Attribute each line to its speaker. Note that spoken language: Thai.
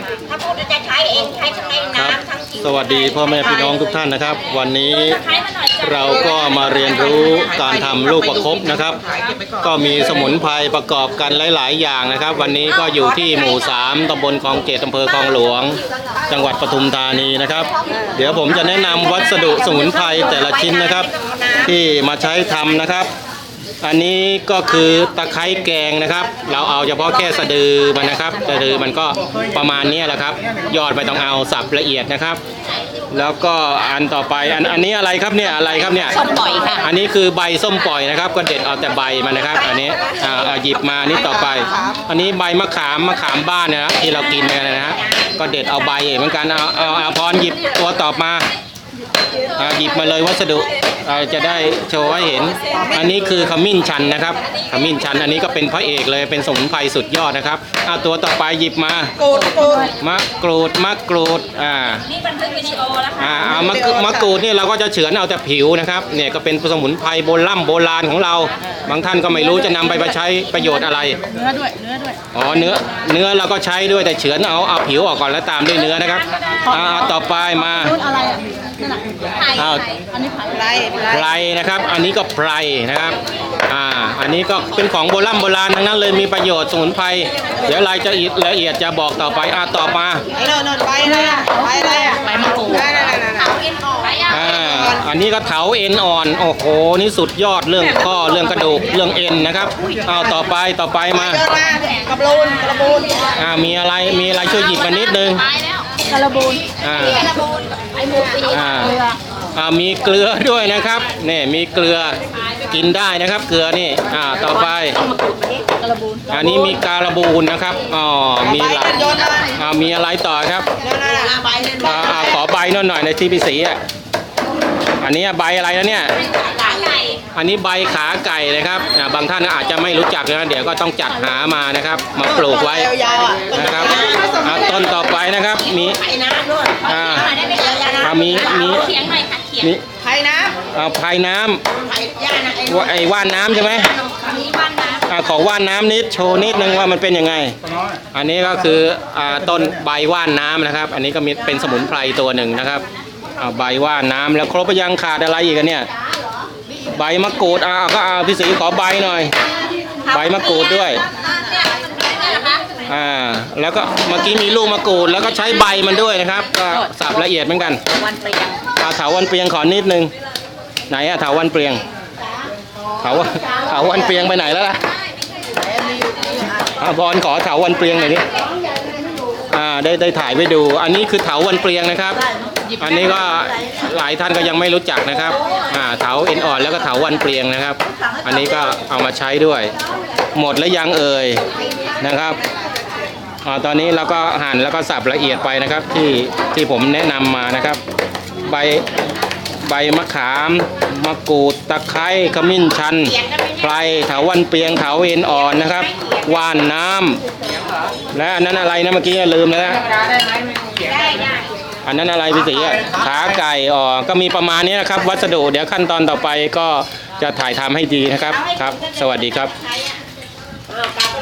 Speaker 1: ถ้าพูดจะใช้เองใช้ทั้งในน้ำทั้ง
Speaker 2: สวัสดีพ่อแม่พี่น้องทุกท่านนะครับ วันนี้เราก็มาเรียนรู้การทำลูกประคบนะครับก็มีสมุนไพรประกอบกันหลายๆอย่างนะครับวันนี้ก็อยู่ที่หมู่ 3ตำบลคลองเกตอำเภอคลองหลวงจังหวัดปทุมธานีนะครับเดี๋ยวผมจะแนะนำวัสดุสมุนไพรแต่ละชิ้นนะครับที่มาใช้ทำนะครับอันนี้ก็คือตะไคร้แกงนะครับเราเอาเฉพาะแค่สะดือมันนะครับสะดือมันก็ประมาณนี้แหละครับยอดไม่ต้องเอาสับละเอียดนะครับแล้วก็อันต่อไปอันนี้อะไรครับเนี่ยอะไรครับเนี่ย
Speaker 1: ส้มปล่อยค่ะ
Speaker 2: อันนี้คือใบส้มปล่อยนะครับก็เด็ดเอาแต่ใบมันนะครับอันนี้หยิบมานี่ต่อไปอันนี้ใบมะขามบ้านนะครับที่เรากินกันนะฮะก็เด็ดเอาใบเหมือนกันเอาพรหยิบตัวต่อมาหยิบมาเลยวัสดุจะได้โชว์ให้เห็นอันนี้คือขมิ้นชันนะครับขมิ้นชันอันนี้ก็เป็นพระเอกเลยเป็นสมุนไพรสุดยอดนะครับตัวต่อไปหยิบมามะกรูดนี่บันทึกวิดีโอแล้วค่ะมะกรูดนี่เราก็จะเฉือนเอาแต่ผิวนะครับเนี่ยก็เป็นสมุนไพรโบราณของเราบางท่านก็ไม่รู้จะนำไปใช้ประโยชน์อะไรเนื้อด้วยอ๋อเนื้อเราก็ใช้ด้วยแต่เฉือนเอาผิวออกก่อนแล้วตามด้วยเนื้อนะครับต่อไปมาไพรนะครับอันนี้ก็ไพรนะครับอันนี้ก็เป็นของโบราณทั้งนั้นเลยมีประโยชน์สมุนไพรเดี๋ยวรายละเอียดจะบอกต่อไปต่อมา
Speaker 1: ใบมะกรูด
Speaker 2: อันนี้ก็เถาเอ็นอ่อนโอ้โหนี่สุดยอดเรื่องข้อเรื่องกระดูกเรื่องเอ็นนะครับต่อไปมากระบูนมีอะไรช่วยหยิบมานิดนึง
Speaker 1: กระบูนไอหมูปี
Speaker 2: มีเกลือด้วยนะครับนี่มีเกลือกินได้นะครับเกลือนี่ต่อไปอันนี้มีการบูนนะครับมีหลายมีอะไรต่อครับขอใบหน่อยในที่พี่สีอันนี้ใบอะไรนะเนี่ยอันนี้ใบขาไก่นะครับบางท่านอาจจะไม่รู้จักนะเดี๋ยวก็ต้องจัดหามานะครับมาปลูกไว้นะครับต้นต่อไปนะครับมีไผ่น้ำไอ้ว่านน้ำใช่ไหมขอว่านน้ำนิดโชว์นิดนึงว่ามันเป็นยังไงอันนี้ก็คือต้นใบว่านน้ำนะครับอันนี้ก็มีเป็นสมุนไพรตัวหนึ่งนะครับใบว่านน้ำแล้วครบยังขาดอะไรอีกกันเนี่ยใบมะกรูดก็พี่ศรีขอใบหน่อยใบมะกรูดด้วยแล้วก็เมื่อกี้มีลูกมะกรูดแล้วก็ใช้ใบมันด้วยนะครับก็สับละเอียดเหมือนกันเถาวันเปรียงขอนิดนึงไหนเถาวันเปรียงเถาวันเปรียงไปไหนแล้วล่ะบอลขอเถาวันเปรียงหน่อยดิได้ถ่ายไว้ดูอันนี้คือเถาวันเปรียงนะครับอันนี้ก็หลายท่านก็ยังไม่รู้จักนะครับเถาเอ็นอ่อนแล้วก็เถาวันเปรียงนะครับอันนี้ก็เอามาใช้ด้วยหมดแล้วยังเอ่ยนะครับตอนนี้เราก็หั่นแล้วก็สับละเอียดไปนะครับที่ผมแนะนำมานะครับใบมะขามมะกรูดตะไคร้ขมิ้นชันไพรเถาวันเปียงเถาเอ็นอ่อนนะครับว่านน้ำและอันนั้นอะไรนะเมื่อกี้ลืมแล้วนะอันนั้นอะไรพี่ศรีขาไก่ก็มีประมาณนี้นะครับวัสดุเดี๋ยวขั้นตอนต่อไปก็จะถ่ายทำให้ดีนะครับครับสวัสดีครับ